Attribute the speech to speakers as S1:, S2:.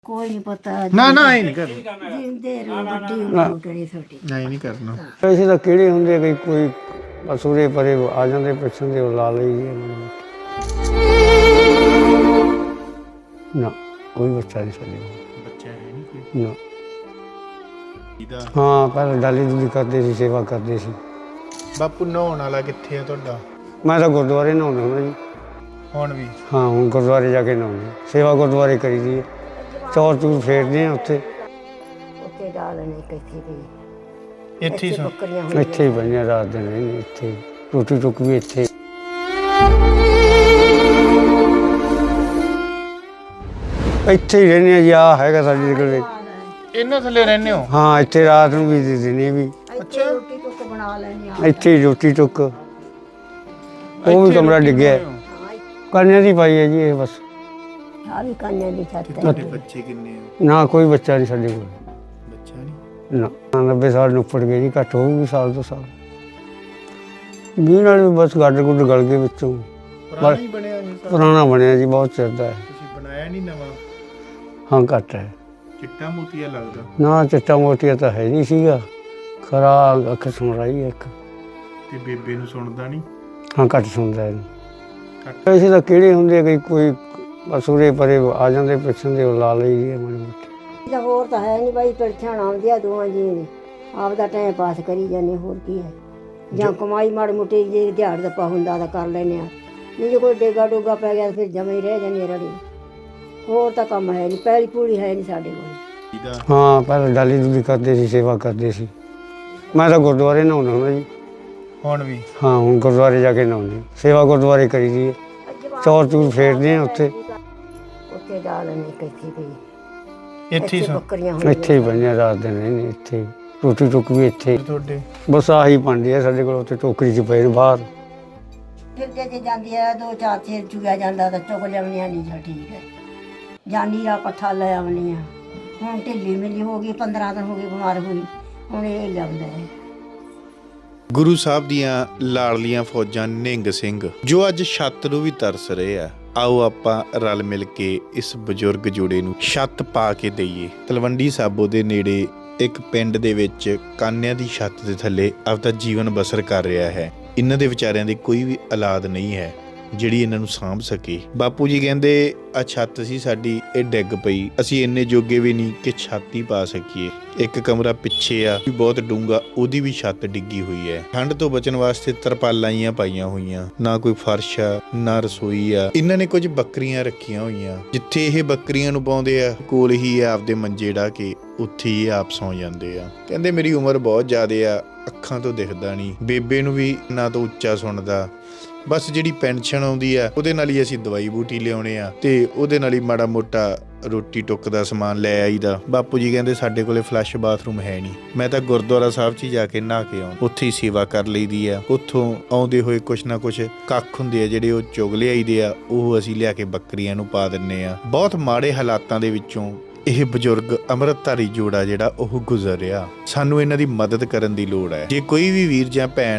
S1: कोई नहीं पता
S2: ना ना ये नहीं करना
S1: जिंदे रहो बड़ी उम्र करी छोटी
S2: नहीं नहीं करना
S3: ऐसे ਤਾਂ ਕਿਹੜੇ ਹੁੰਦੇ ਕਈ ਕੋਈ ਬਸ ਉਰੇ ਪਰੇ ਆ ਜਾਂਦੇ ਪਿੱਛੋਂ ਦੇ ਉਹ ਲਾ ਲਈ ਜੀ ਨਾ ਕੋਈ ਬੱਚਾ ਨਹੀਂ ਸਾਡੇ ਕੋਲ
S2: ਬੱਚਾ ਹੈ ਨਹੀਂ ਕੋਈ
S3: ਨਾ
S2: ਇਹਦਾ
S3: ਹਾਂ ਪਹਿਲਾਂ ਡਾਲੀ ਡੂਲੀ ਕਰਦੇ ਸੀ ਸੇਵਾ ਕਰਦੇ ਸੀ
S2: ਬਾਪੂ ਨਹਾਉਣ ਵਾਲਾ ਕਿੱਥੇ ਆ ਤੁਹਾਡਾ
S3: ਮੈਂ ਤਾਂ ਗੁਰਦੁਆਰੇ ਨਹਾਉਂਦਾ ਹੁੰਦਾ ਜੀ
S2: ਹੁਣ ਵੀ
S3: ਹਾਂ ਹੁਣ ਗੁਰਦੁਆਰੇ ਜਾ ਕੇ ਨਹਾਉਂਦੇ ਸੇਵਾ ਗੁਰਦੁਆਰੇ ਕਰੀ ਦੀ ਹੈ ਚੌਰ ਚੂਰ ਫੇਰਦੇ ਆ ਉੱਥੇ
S1: ਉੱਤੇ ਡਾਲਣੇ ਕਿੱਥੇ ਵੀ
S2: ਇੱਥੇ ਹੀ ਸੌਂ
S1: ਬੱਕਰੀਆਂ
S3: ਇੱਥੇ ਹੀ ਬਣਿਆ ਰਾਤ ਦਿਨ ਰਹਿੰਦੇ ਇੱਥੇ ਰੋਟੀ ਟੁੱਕ ਵੀ ਇੱਥੇ ਇੱਥੇ ਹੀ ਰਹਿੰਦੇ ਆ ਜੀ ਆ ਹੈਗਾ ਸਾਡੇ ਕੋਲ
S2: ਇਹਨਾਂ ਥੱਲੇ ਰਹਿੰਦੇ ਹੋ
S3: ਹਾਂ ਇੱਥੇ ਰਾਤ ਨੂੰ ਵੀ ਦਿਨੇ ਵੀ
S1: ਅੱਛਾ ਰੋਟੀ ਟੁੱਕ ਬਣਾ ਲੈਣੀ ਆ
S3: ਇੱਥੇ ਹੀ ਰੋਟੀ ਟੁੱਕ ਉਹ ਵੀ ਕਮਰਾ ਡਿੱਗਿਆ ਕੰਨਿਆਂ ਦੀ ਪਾਈ ਹੈ ਜੀ ਇਹ ਬਸ
S1: ਆ ਵੀ ਕੰਨਿਆਂ ਦੀ ਛੱਤ ਹੈ
S2: ਤੁਹਾਡੇ ਬੱਚੇ ਕਿੰਨੇ ਆ
S3: ਨਾ ਕੋਈ ਬੱਚਾ ਨਹੀਂ ਸਾਡੇ ਕੋਲ
S2: ਬੱਚਾ ਨਹੀਂ
S3: ਨਾ 90 ਸਾਲ ਨੂੰ ਉੱਪਰ ਗਏ ਜੀ ਘੱਟ ਹੋਊਗੀ ਸਾਲ ਤੋਂ ਸਾਲ ਵੀਹ ਨਾਲ ਵੀ ਬਸ ਗੱਡ ਗੁੱਡ ਗਲ ਗਏ ਵਿੱਚੋਂ
S2: ਪੁਰਾਣਾ ਹੀ ਬਣਿਆ ਇਹ ਸਾਰਾ
S3: ਪੁਰਾਣਾ ਬਣਿਆ ਜੀ ਬਹੁਤ ਚਿਰ ਦਾ ਹੈ
S2: ਤੁਸੀਂ ਬਣਾਇਆ ਨਹੀਂ ਨਵਾਂ
S3: ਹਾਂ ਘੱਟ ਹੈ
S2: ਚਿੱਟਾ ਮੋਤੀਆ ਲੱਗਦਾ
S3: ਨਾ ਚਿੱਟਾ ਮੋਟੀਆ ਤਾਂ ਹੈ ਨਹੀਂ ਸੀਗਾ ਖਰਾ ਅੱਖ ਸੁਣ ਰਹੀ ਹੈ ਇੱਕ
S2: ਤੇ ਬੇਬੇ ਨੂੰ ਸੁਣਦਾ ਨਹੀਂ
S3: ਹਾਂ ਘੱਟ ਸੁਣਦਾ ਹੈ
S2: ਘੱਟ
S3: ਐਸੇ ਤਾਂ ਕਿਹੜੇ ਹੁੰਦੇ ਕਈ ਕੋਈ ਬਸ ਉਰੇ ਪਰੇ ਆ ਜਾਂਦੇ ਪਿੱਛੋਂ ਦੇ ਉਹ ਲਾ ਲਈ ਜੀ ਮਾੜੀ ਮੋਟੀ
S1: ਇਹਦਾ ਹੋਰ ਤਾਂ ਹੈ ਨਹੀਂ ਬਾਈ ਪਰਛਾਣ ਆਉਂਦੀ ਆ ਦੋਵਾਂ ਜੀ ਨੇ ਆਪਦਾ ਟਾਈਮ ਪਾਸ ਕਰੀ ਜਾਂਦੇ ਹੋਰ ਕੀ ਹੈ ਜਾਂ ਕਮਾਈ ਮਾੜੀ ਮੋਟੀ ਜੇ ਦਿਹਾੜ ਦਾ ਪਾ ਹੁੰਦਾ ਤਾਂ ਕਰ ਲੈਨੇ ਆ ਨਹੀਂ ਜੇ ਕੋਈ ਡੇਗਾ ਡੋਗਾ ਪੈ ਗਿਆ ਤਾਂ ਫਿਰ ਜਮੇ ਹੀ ਰਹਿ ਜਾਂਦੇ ਰੜੀ ਹੋਰ ਤਾਂ ਕੰਮ ਹੈ ਨਹੀਂ ਪੈਲੀ ਪੂੜੀ ਹੈ ਨਹੀਂ ਸਾਡੇ ਕੋਲ
S2: ਇਹਦਾ
S3: ਹਾਂ ਪਹਿਲਾਂ ਡਾਲੀ ਡੂਲੀ ਕਰਦੇ ਸੀ ਸੇਵਾ ਕਰਦੇ ਸੀ ਮੈਂ ਤਾਂ ਗੁਰਦੁਆਰੇ ਨਹਾਉਂਦਾ ਹੁੰਦਾ ਜੀ
S2: ਹੁਣ ਵੀ
S3: ਹਾਂ ਹੁਣ ਗੁਰਦੁਆਰੇ ਜਾ ਕੇ ਨਹਾਉਂਦੇ ਸੇਵਾ ਗੁਰਦੁਆਰੇ ਕਰੀ ਦੀ ਹੈ ਚੌਰ ਚੂਰ ਫੇਰਦੇ ਆ ਉੱਥੇ
S1: ਉੱਤੇ ਡਾਲਣੇ ਕਿੱਥੇ ਵੀ
S2: ਇੱਥੇ ਹੀ ਸੌਂ
S1: ਬੱਕਰੀਆਂ
S3: ਇੱਥੇ ਹੀ ਬਣਿਆ ਰਾਤ ਦਿਨ ਰਹਿੰਦੇ ਇੱਥੇ ਹੀ। ਰੋਟੀ ਟੁੱਕ ਵੀ ਇੱਥੇ ਹੀ।
S2: ਤੁਹਾਡੇ
S3: ਬਸ ਆਹੀ ਭਾਂਡੇ ਆ ਸਾਡੇ ਕੋਲ ਉੱਥੇ ਟੋਕਰੀ 'ਚ ਪਏ ਨੇ ਬਾਹਰ
S1: ਫਿਰ ਜੇ ਜਾਂਦੀ ਆ ਦੋ ਚਾਰ ਚੇਰ ਚੁਗਿਆ ਜਾਂਦਾ ਤਾਂ ਚੁਗ ਲਿਆਉਣੀਆਂ ਨਹੀਂ ਜਾਂ ਠੀਕ ਹੈ ਜਾਂਦੀ ਆ ਪੱਠਾ ਲੈ ਆਉਣੀ ਆ ਹੁਣ ਢਿੱਲੀ ਮਿਲੀ ਹੋ ਗਈ 15 ਦਿਨ ਹੋ ਗਏ ਬਿਮਾਰ ਹੋਈ ਹੁਣ ਇਹ ਲਿਆਉਂਦਾ ਹੈ
S4: ਗੁਰੂ ਸਾਹਿਬ ਦੀਆਂ ਲਾਡਲੀਆਂ ਫੌਜਾਂ ਨਿਹੰਗ ਸਿੰਘ ਜੋ ਅੱਜ ਛੱਤ ਨੂੰ ਵੀ ਤਰਸ ਰਹੇ ਆ ਆਓ ਆਪਾਂ ਰਲ ਮਿਲ ਕੇ ਇਸ ਬਜ਼ੁਰਗ ਜੋੜੇ ਨੂੰ ਛੱਤ ਪਾ ਕੇ ਦਈਏ। ਤਲਵੰਡੀ ਸਾਬੋ ਦੇ ਨੇੜੇ ਇੱਕ ਪਿੰਡ ਦੇ ਵਿੱਚ ਕਾਨਿਆਂ ਦੀ ਛੱਤ ਦੇ ਥੱਲੇ ਆਪਦਾ ਜੀਵਨ ਬਸਰ ਕਰ ਰਿਹਾ ਹੈ। ਇਹਨਾਂ ਦੇ ਵਿਚਾਰਿਆਂ ਦੀ ਕੋਈ ਵੀ ਔਲਾਦ ਨਹੀਂ ਹੈ ਜਿਹੜੀ ਇਹਨਾਂ ਨੂੰ ਸਾਂਭ ਸਕੇ। ਬਾਪੂ ਜੀ ਕਹਿੰਦੇ ਆ ਛੱਤ ਸੀ ਸਾਡੀ ਇਹ ਡਿੱਗ ਪਈ, ਅਸੀਂ ਇੰਨੇ ਜੋਗੇ ਵੀ ਨਹੀਂ ਕਿ ਛੱਤ ਹੀ ਪਾ ਸਕੀਏ। ਇੱਕ ਕਮਰਾ ਪਿੱਛੇ ਆ ਵੀ ਬਹੁਤ ਡੂੰਘਾ, ਉਹਦੀ ਵੀ ਛੱਤ ਡਿੱਗੀ ਹੋਈ ਹੈ। ਠੰਡ ਤੋਂ ਬਚਣ ਵਾਸਤੇ ਤਰਪਾਲਾਂ ਹੀ ਪਾਈਆਂ ਹੋਈਆਂ, ਨਾ ਕੋਈ ਫਰਸ਼ ਆ ਨਾ ਰਸੋਈ ਆ। ਇਹਨਾਂ ਨੇ ਕੁਝ ਬੱਕਰੀਆਂ ਰੱਖੀਆਂ ਹੋਈਆਂ, ਜਿੱਥੇ ਇਹ ਬੱਕਰੀਆਂ ਨੂੰ ਪਾਉਂਦੇ ਆ ਕੋਲ ਹੀ ਆ ਆਪਦੇ ਮੰਜੇ ਢਾ ਕੇ ਉੱਥੇ ਹੀ ਆਪ ਸੌਂ ਜਾਂਦੇ ਆ। ਕਹਿੰਦੇ ਮੇਰੀ ਉਮਰ ਬਹੁਤ ਜ਼ਿਆਦੇ ਆ, ਅੱਖਾਂ ਤੋਂ ਦਿਖਦਾ ਨਹੀਂ, ਬੇਬੇ ਨੂੰ ਵੀ ਨਾ ਤੋਂ ਉੱਚਾ ਸੁਣਦਾ, ਬਸ ਜਿਹੜੀ ਪੈਨਸ਼ਨ ਆਉਂਦੀ ਆ ਉਹਦੇ ਨਾਲ ਹੀ ਅਸੀਂ ਦਵਾਈ ਬੂਟੀ ਲਿਆਉਣੇ ਆ ਤੇ ਉਹਦੇ ਨਾਲ ਹੀ ਮਾੜਾ ਮੋਟਾ ਰੋਟੀ ਟੁੱਕ ਦਾ ਸਮਾਨ ਲੈ ਆਈਦਾ। ਬਾਪੂ ਜੀ ਕਹਿੰਦੇ ਸਾਡੇ ਕੋਲੇ ਫਲੱਸ਼ ਬਾਥਰੂਮ ਹੈ ਨਹੀਂ, ਮੈਂ ਤਾਂ ਗੁਰਦੁਆਰਾ ਸਾਹਿਬ 'ਚ ਹੀ ਜਾ ਕੇ ਨਹਾ ਕੇ ਆਉਂ, ਉੱਥੇ ਹੀ ਸੇਵਾ ਕਰ ਲਈਦੀ ਆ। ਉੱਥੋਂ ਆਉਂਦੇ ਹੋਏ ਕੁਛ ਨਾ ਕੁਛ ਕੱਖ ਹੁੰਦੇ ਆ ਜਿਹੜੇ ਉਹ ਚੁਗ ਲਿਆਈਦੇ ਆ, ਉਹ ਅਸੀਂ ਲਿਆ ਕੇ ਬੱਕਰੀਆਂ ਨੂੰ ਪਾ ਦਿੰਨੇ ਆ। ਬਹੁਤ ਮਾੜੇ ਹਾਲਾਤਾਂ ਦੇ ਵਿੱਚੋਂ ਇਹ ਬਜ਼ੁਰਗ ਅੰਮ੍ਰਿਤਧਾਰੀ ਜੋੜਾ ਜਿਹੜਾ ਉਹ ਗੁਜ਼ਰ ਰਿਹਾ। ਸਾਨੂੰ ਇਹਨਾਂ ਦੀ ਮਦਦ ਕਰਨ ਦੀ ਲੋੜ ਹੈ। ਜੇ ਕੋਈ ਵੀ ਵੀਰ ਜਾਂ ਭੈਣ